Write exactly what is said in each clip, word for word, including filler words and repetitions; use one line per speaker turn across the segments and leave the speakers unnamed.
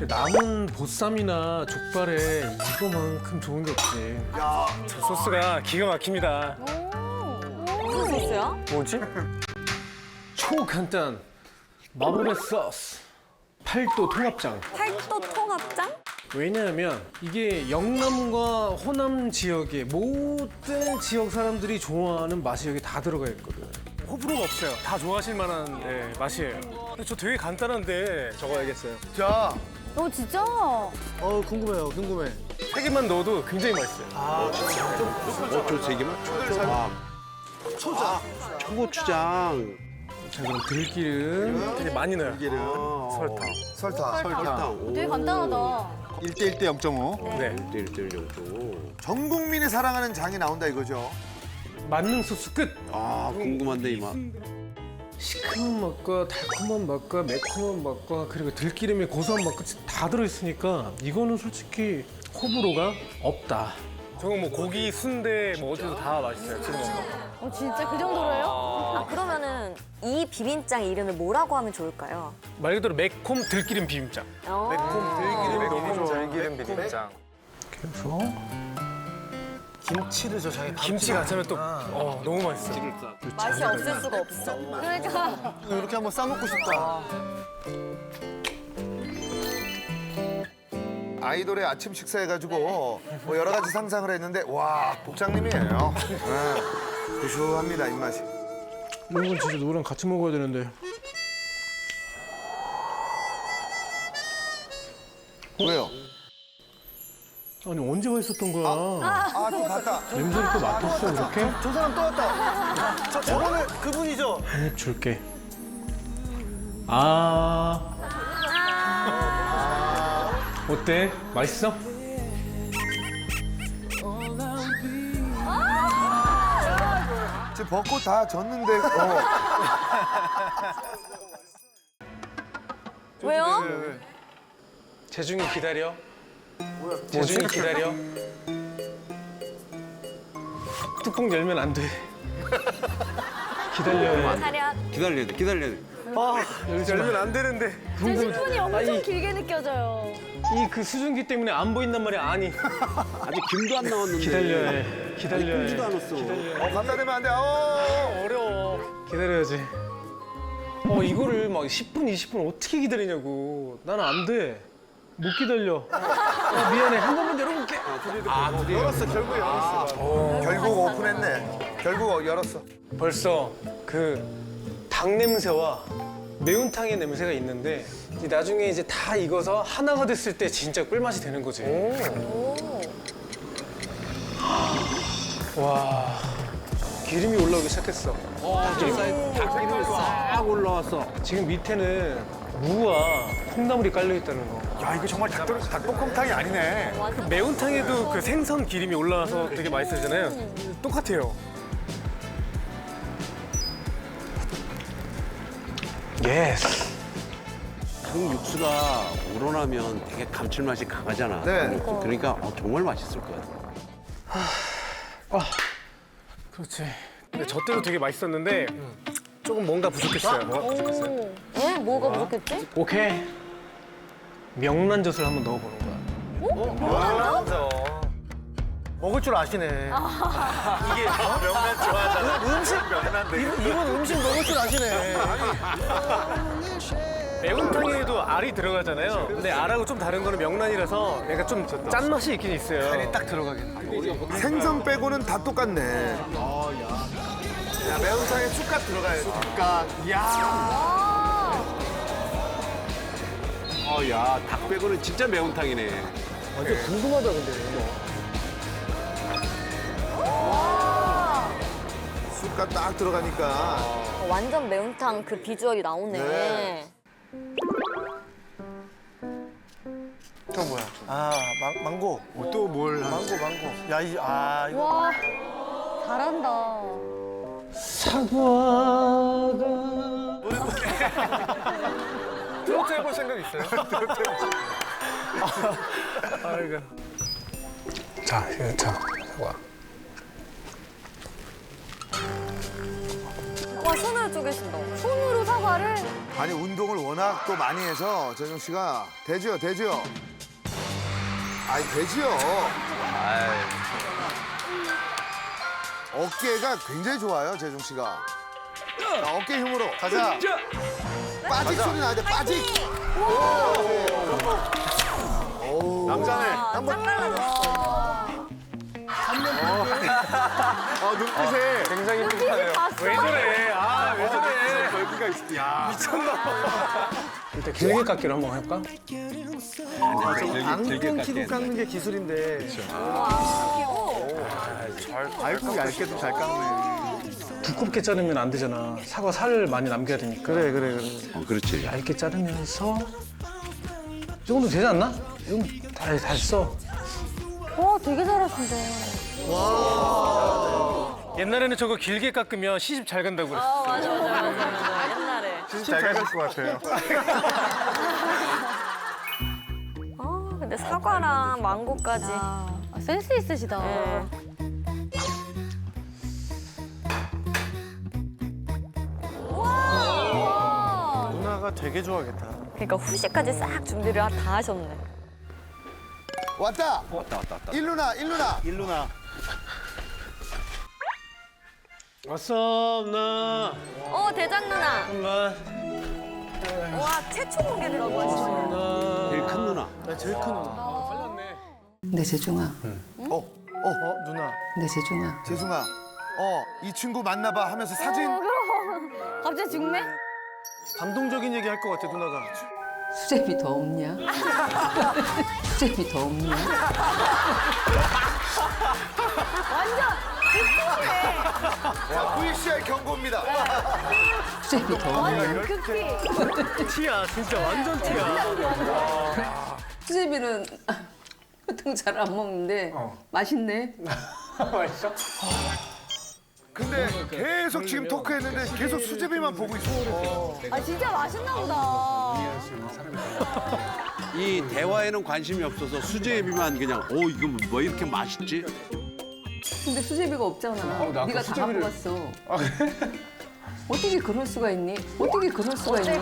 남은 보쌈이나 족발에 이거만큼 좋은 게 없지.
야, 저 소스가 기가 막힙니다.
무슨 소스야?
뭐지?
초간단 마블의 소스 팔도 통합장.
팔도 통합장?
왜냐하면 이게 영남과 호남 지역의 모든 지역 사람들이 좋아하는 맛이 여기 다 들어가 있거든.
호불호가 없어요. 다 좋아하실 만한 네, 맛이에요. 근데 저 되게 간단한데 적어야겠어요.
자,
어 진짜?
어 궁금해요, 궁금해.
세 개만 넣어도 굉장히 맛있어요.
어초 세 개만? 초초. 아,
초자.
초고추장.
자 그럼 들기름.
되게 많이 넣어요.
기름.
설탕.
설탕.
설탕.
되게 간단하다.
일 대 일 대 영 점 오.
네.
일대일 정도.
전 국민이 사랑하는 장이 나온다 이거죠.
만능 소스 끝.
아, 궁금한데 이 맛.
시큼한 맛과 달콤한 맛과 매콤한 맛과 그리고 들기름의 고소한 맛 끝이 다 들어있으니까 이거는 솔직히 호불호가 없다.
저건 뭐 고기, 순대 뭐 어디서 다 맛있어요. 지금 먹는 거.
어 진짜 그 정도로요?
아, 그러면은 이 비빔장 이름을 뭐라고 하면 좋을까요?
말 그대로 매콤 들기름 비빔장.
어.
들기름이 너무 좋아요. 들기름 비빔장.
그래서
김치를 저 장에
김치 같이 하면 또 어, 너무 맛있어요.
맛이 없을 수가 없어.
그러니까
이렇게 한번 싸먹고 싶다. 아이돌의 아침 식사 해가지고 뭐 여러 가지 상상을 했는데 와 복장님이에요. 네. 구수합니다 입맛이.
이런 건 진짜 누구랑 같이 먹어야 되는데.
왜요?
아니 언제 와 있었던 거야?
아 또 봤다.
냄새를 또 맡았어 이렇게?
저 사람 또 왔다. 저 저번에 그분이죠.
한입 줄게. 아. 어때? 맛있어?
지금 벚꽃 다 졌는데. 어.
왜요?
재중이 기다려. 재중이 기다려. 뚜껑 열면 안 돼. 기다려요.
차렷.
기다려야 돼, 기다려야 돼.
아, 열면 안 되는데.
제 십 분이 엄청 길게 느껴져요.
이 그 수증기 때문에 안 보인단 말이야. 아니.
아직 김도 안 나왔는데.
기다려야 해. 기다려야 해.
ቁ지도 않았어.
어 갖다 대면 안 돼. 어.
어려워. 기다려야지. 어, 이거를 막 십 분, 이십 분 어떻게 기다리냐고. 나는 안 돼. 못 기다려. 어, 미안해. 한 번만 열어볼게.
열었어 결국 열었어. 결국 오픈했네. 결국 열었어.
벌써 그 닭 냄새와 매운탕의 냄새가 있는데 이 나중에 이제 다 익어서 하나가 됐을 때 진짜 꿀맛이 되는 거지. 와, 기름이 올라오기 시작했어.
닭기름이 싹 올라왔어.
지금 밑에는 무와 콩나물이 깔려 있다는 거.
야 이거 정말 닭, 닭볶음탕이 아니네.
그 매운탕에도 그 생선 기름이 올라와서 되게 맛있어지잖아요. 똑같아요. 예스.
닭 육수가 우러나면 되게 감칠맛이 강하잖아.
네.
그러니까 어, 정말 맛있을 것 같아.
그렇지. 근데 저 때도 되게 맛있었는데 조금 뭔가 부족했어요. 뭐가 부족했어요?
왜? 뭐가 부족했지?
오케이. 명란젓을 한번 넣어보는 거야.
먹을 줄 아시네.
이게 명란 좋아하잖아. 음식 명란데. 이분 음식 먹을 줄 아시네. 매운탕에도 알이 들어가잖아요. 근데 알하고 좀 다른 거는 명란이라서 약간 좀 짠맛이 있긴 있어요.
딱 들어가겠네. 생선 빼고는 다 똑같네. 야, 매운탕에 쑥갓 들어가야지. 쑥갓. 야.
어, 야, 닭 빼고는 진짜 매운탕이네.
완전 궁금하다 근데.
쑥갓 딱 들어가니까.
어, 완전 매운탕 그 비주얼이 나오네.
네.
저 뭐야?
아, 망, 망고. 또 뭘? 망고, 망고. 야, 이, 아, 이거.
와 잘한다.
사과가
트로트 해볼 생각 있어요? 아, 이거. 자, 이거 자, 사과.
와, 손으로 쪼개신다.
손으로 사과를?
아니 운동을 워낙 또 많이 해서 재정 씨가 되죠, 되죠. 아이 되지요. 어깨가 굉장히 좋아요, 재정 씨가. 자, 어깨 힘으로 가자. 빠직 소리 나야 돼, 빠직.
남자네.
짱 달라졌어.
아, 눈빛에 굉장히 뿌듯하네요.
왜 저래? 아, 왜 저래?
여기가 있어. 야.
일단 길게 깎기로 한번 해볼까?
안경 끼고 깎는 게 기술인데. 얇고 얇게도 잘 깎네.
두껍게 자르면 안 되잖아. 사과 살 많이 남겨야 되니까.
그래, 그래, 그래.
어, 그렇지.
얇게 자르면서 이 정도 되지 않나? 이 정도 다, 다 했어.
와, 되게 잘하신다.
옛날에는 저거 길게 깎으면 시집 잘 간다고 그랬어.
아, 맞아, 맞아, 맞아, 맞아. 옛날에.
진짜 잘 깎을 것 같아요.
아, 근데 사과랑 망고까지.
아, 센스 있으시다.
네.
누나가 되게 좋아하겠다.
그러니까 후식까지 싹 준비를 다 하셨네.
왔다.
왔다, 왔다, 왔다.
일루나, 일루나.
일루나.
왔어, 누나.
어, 대장 누나.
잠깐만.
와, 최초 공개라고 하시네요.
누나.
제일 큰 누나.
나 제일 큰 누나.
내 재중아,
어, 어,
어, 누나.
내 재중아.
재승아. 어, 이 친구 만나봐 하면서 사진.
갑자기 죽네?
감동적인 얘기 할 것 같아, 누나가.
수제비 더 없냐? 수제비 더 없냐?
자, 브이씨알 경고입니다.
수제비 더 없냐?
완전 극히.
티야, 진짜 완전 티야.
수제비는 보통 잘 안 먹는데 맛있네.
맛있어?
근데 계속 지금 토크했는데 계속 수제비만 보고 있어.
아, 진짜 맛있나 보다.
이 대화에는 관심이 없어서 수제비만 그냥 어 이거 뭐 이렇게 맛있지?
근데 수제비가 없잖아.
나
네가
아까
다
수제비를-
갖고 왔어. 어떻게 그럴 수가 있니? 어떻게 그럴 수가 있니?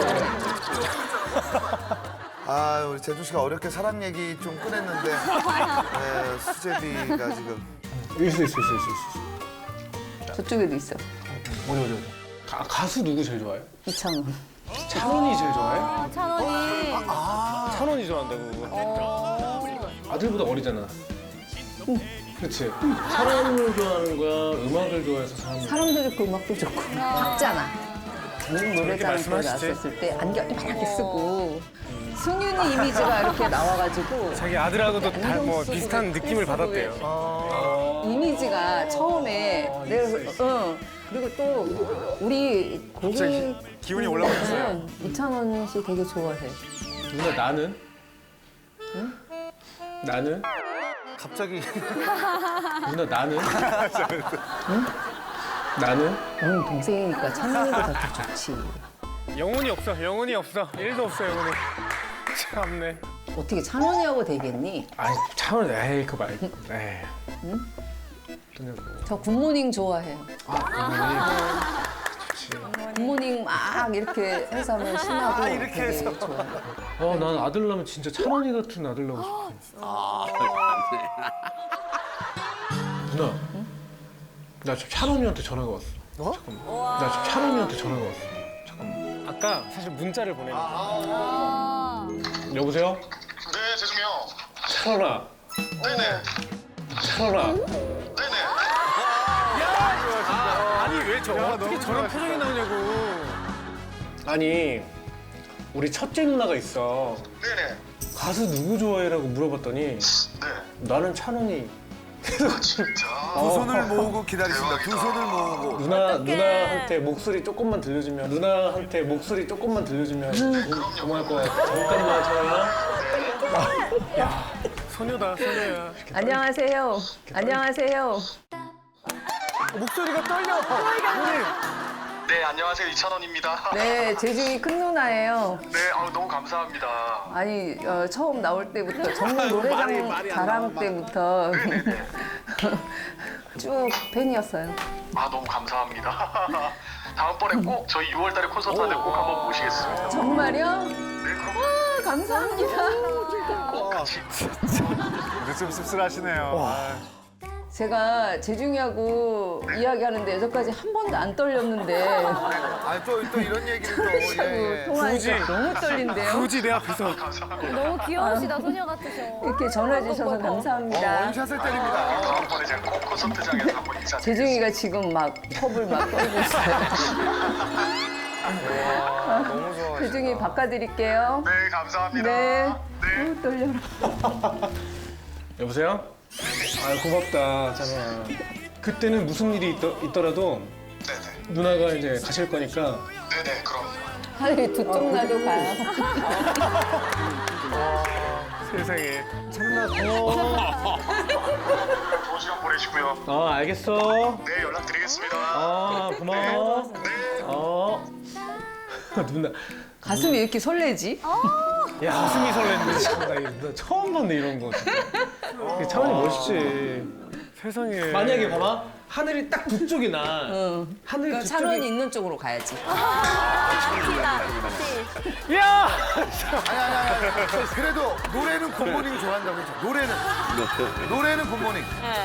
아, 우리 재준 씨가 어렵게 사랑 얘기 좀 꺼냈는데 네, 수제비가 지금.
있어, 있어, 있어, 있어, 있어.
저쪽에도 있어.
어디, 어디, 어디. 가, 가수 누구 제일 좋아해?
이창훈.
찬원이 제일 좋아해?
아, 찬원이.
찬원이 좋아한다고. 아들보다 어리잖아. 그렇지. 사람을 좋아하는 거야, 음악을 좋아해서 사람을.
사람도 좋고 음악도 좋고 박잖아. 노래자랑
말씀하시지.
나왔었을 때 안경 이만하게 쓰고 승윤이 이미지가 이렇게 나와가지고
자기 아들하고도 다 뭐
안경 쓰고
비슷한 느낌을
쓰고
받았대요.
이미지가 처음에 내가 그- 응. 그리고 또 우리 고객
기운이 올라가셨어요.
이찬원 씨 되게 좋아해.
누나 나는? 나는?
갑자기.
누나 나는? 응? 나는?
너는 동생이니까 찬원이보다 더 좋지.
영혼이 없어. 영혼이 없어. 일도 없어 영혼이. 참네.
어떻게 찬원이하고 되겠니?
아니 찬원 에이 그거 말고. 에이. 응? 누냐고.
저 굿모닝 좋아해요.
아,
굿모닝 막 이렇게 해서 하면 신나고
이렇게
되게
해서.
좋아해.
어, 난 아들 낳으면 진짜 찬원이 같은 아들 낳고 싶어.
아,
누나. 나 지금 찬원이한테 전화가 왔어.
어?
잠깐만. 나 지금 찬원이한테 전화가 왔어. 잠깐만. 아까 사실 문자를 보냈는데.
아.
여보세요?
네, 재중이 형.
찬원아.
네네.
찬원아.
네네.
아니 왜 저 어떻게
너무
저런 표정이 나오냐고. 아니 우리 첫째 누나가 있어.
네네.
가수 누구 좋아해라고 물어봤더니
네.
나는 찬원이.
진짜.
두 손을 모으고 기다리신다. 두 손을 모으고.
누나 누나한테 목소리 조금만 들려주면 누나한테 목소리 조금만 들려주면 고- 고마울 것 같아. 잠깐만 찬원아. 야 소녀다 소녀야.
안녕하세요. 안녕하세요.
목소리가 떨려.
네, 안녕하세요. 이찬원입니다.
네, 재중이 큰 누나예요.
네, 아우, 너무 감사합니다.
아니 어, 처음 나올 때부터 정말 노래장 자랑 때부터 쭉 팬이었어요.
아, 너무 감사합니다. 다음번에 꼭 저희 유월달에 콘서트 하는데 꼭 한번 모시겠습니다.
정말요?
네, 그럼
아, 감사합니다.
꼭 같이.
근데 좀 씁쓸하시네요. 아,
제가 재중이하고 이야기하는데 여태까지 한 번도 안 떨렸는데
아, 또, 또 이런 얘기를 또. 예, 예.
통화하니까 너무 떨린대요.
굳이 내 앞에서.
너무 귀여우시다, 소녀 같으셔.
이렇게 전화 주셔서
어,
감사합니다.
원샷을 때립니다.
다음번에 제가 꼭 콘서트장에서 한번 인사드리겠습니다.
재중이가 지금 막 컵을 막 떨고 있어요.
너무 좋아.
재중이 바꿔드릴게요.
네, 감사합니다.
네.
네.
어, 떨려라.
여보세요? 아 고맙다 찬호야. 그때는 무슨 일이 있더, 있더라도
네네.
누나가 이제 가실 거니까
네네, 그럼.
하늘이 두 쪽 나도 가요.
세상에.
찬호야 고마워.
좋은 시간 보내시고요.
어 알겠어.
네, 연락드리겠습니다.
어 고마워. 어 누나
가슴이 이렇게 설레지?
야 가슴이 설레는데 지금 나 이거 처음 봤네 이런 거. 진짜. 차원이 멋있지.
세상에.
만약에 봐봐 하늘이 딱 두 쪽이 나.
응.
하늘
그럼
두
찬원이
쪽이.
있는 쪽으로 가야지.
야!
아니, 아니, 아니, 아니. 그래도 노래는 굿모닝 좋아한다고 했죠. 노래는. 노래는 굿모닝.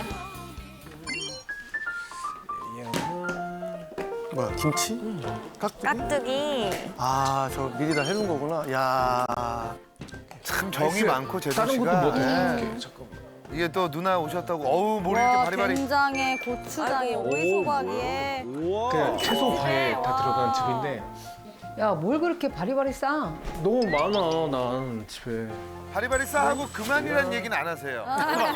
뭐야, 김치? 깍두기?
깍두기.
아, 저 미리 다 해놓은 거구나. 야.
참 정이 많고, 재준
다른
씨가.
것도 뭐
예.
드릴게. 잠깐만.
이게 또 누나 오셨다고, 어우, 머리 이렇게
와,
바리바리.
된장에 고추장에 오이소박이에
그냥 채소 과일 다 들어간 집인데
야, 뭘 그렇게 바리바리 싸?
너무 많아 난 집에.
바리바리 싸하고 그만이라는 얘기는 안 하세요.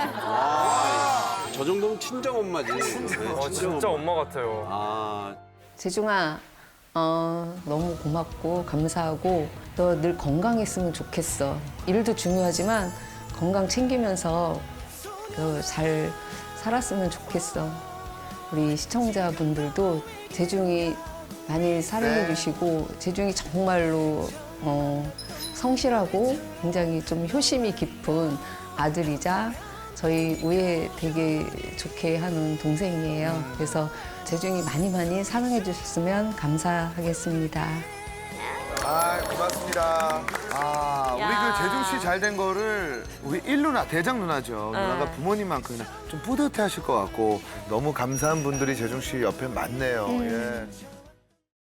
저 정도면 친정 엄마지. 네, 친정 엄마.
엄마 같아요.
아,
재중아, 어, 너무 고맙고 감사하고 너 늘 건강했으면 좋겠어. 일도 중요하지만 건강 챙기면서 너 잘 살았으면 좋겠어. 우리 시청자분들도 재중이 많이 사랑해
네.
주시고 재중이 정말로 어, 성실하고 굉장히 좀 효심이 깊은 아들이자 저희 우애 되게 좋게 하는 동생이에요. 그래서 재중이 많이 많이 사랑해 주셨으면 감사하겠습니다.
아, 고맙습니다. 아, 우리 그 재중 씨 잘 된 거를 우리 일 누나, 대장 누나죠. 누나가 부모님만큼이나 좀 뿌듯해 하실 것 같고 너무 감사한 분들이 재중 씨 옆에 많네요. 예.